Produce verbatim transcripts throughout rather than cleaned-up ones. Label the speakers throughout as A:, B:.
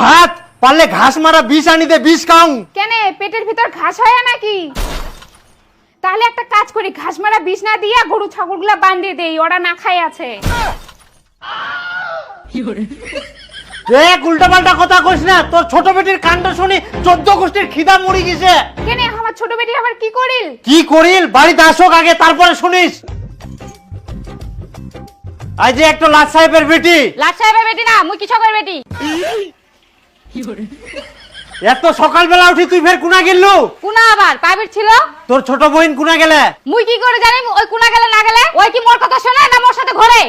A: ভাত পারলে ঘাস মারা বিষ আনি দে, বিষ খাও।
B: কেন পেটের ভিতর ঘাস হয় নাকি? তাহলে একটা কাজ করি, ঘাস মারা বিষ না দিয়া গরু ছাগলগুলা বাঁধিয়ে দেই, ওরা না খাই আছে।
A: দেখ উল্টা পাল্টা কথা কইস না, তোর ছোট বেটির কাণ্ড শুনি চোদ্দ গোষ্ঠীর খিদা মরি গেছে।
B: কেন আমার ছোট বেটি আবার কি করিল?
A: কি করিল বাড়িতে আসুক আগে, তারপরে শুনিস। আজ যে একটা লাট সাহেবের বেটি।
B: লাট সাহেবের বেটি না, মুই কৃষকের বেটি।
A: এত সকালবেলা উঠি তুই ফের কুনা গেলু?
B: কুনা আবার প্রাইভেট ছিল।
A: তোর ছোট বোন কুনা গেলে?
B: মুই কি করে জানি ওই কুনা গেলে না গেলে? ওই কি মোর কথা শোনে না মোর সাথে ঘোরে?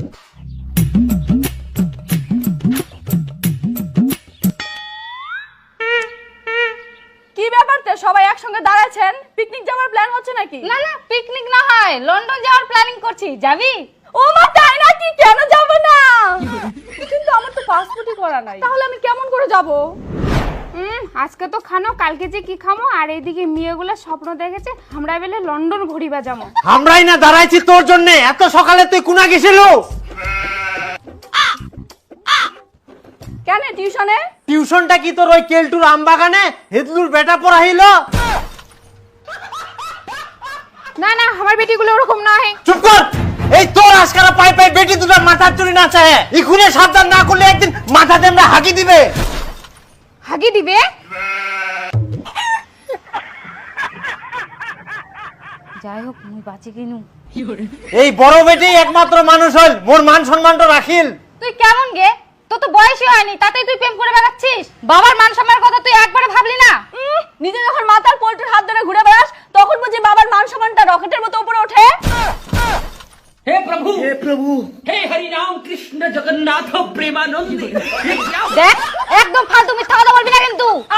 C: কি ব্যাপারতে সবাই একসঙ্গে দাঁড়াচ্ছেন? পিকনিক যাওয়ার প্ল্যান হচ্ছে নাকি?
B: না না পিকনিক না হয়, লন্ডন যাওয়ার প্ল্যানিং করছি, যাবি?
C: ও মা তাই নাকি? কেন যাব না? কিন্তু আমার তো পাসপোর্টই করা নাই, তাহলে আমি কেমন করে যাব?
B: হুম আজকে তো খানো, কালকে যে কি খামো। আর এইদিকে মেয়েগুলো স্বপ্ন দেখেছে আমরা বেলে লন্ডন ঘুরিবা যাবো।
A: আমরাই না দাঁড়াইছি তোর জন্য, এত সকালে তুই কুনা গেছিল?
C: কেন টিউশনে?
A: টিউশনটা কি তোর ওই কেলটুর আমবাগানে হেদলুর বেটা পড়াইল?
B: না না আমার বেটিগুলো ওরকম নয়।
A: চুপ কর। এই তোর আজকারা পাই পাই বেটি দুটো মাথার চুরি না চায়, ইখুনে সাবধান না করলে একদিন মাথাতে আমরা হাগি দিবে।
B: হাগি দিবে? যাই হোক মুই বাঁচি কিনু।
A: এই বড় বেটি একমাত্র মানুষ হল, মোর মান সম্মানটা রাখিল।
B: তুই কেমন গে? তোর তো বয়সই হয়নি, তাতেই তুই প্রেম করে বেড়াচ্ছিস। বাবার মান সম্মানের কথা তুই একবারে ভাবলি না?
C: উম, নিজে যখন মাথার পোল্ট্রির হাত ধরে ঘুরে বেড়াস তখন বুঝি বাবার মান সম্মানটা রকেটের মতো উপরে ওঠে?
D: हे प्रभु
A: হে প্রভু,
D: हे हरि राम कृष्ण जगन्नाथ प्रेमानंद।
B: দেখ একদম ফালতু মিথ্যা কথা বলবি না কিন্তু।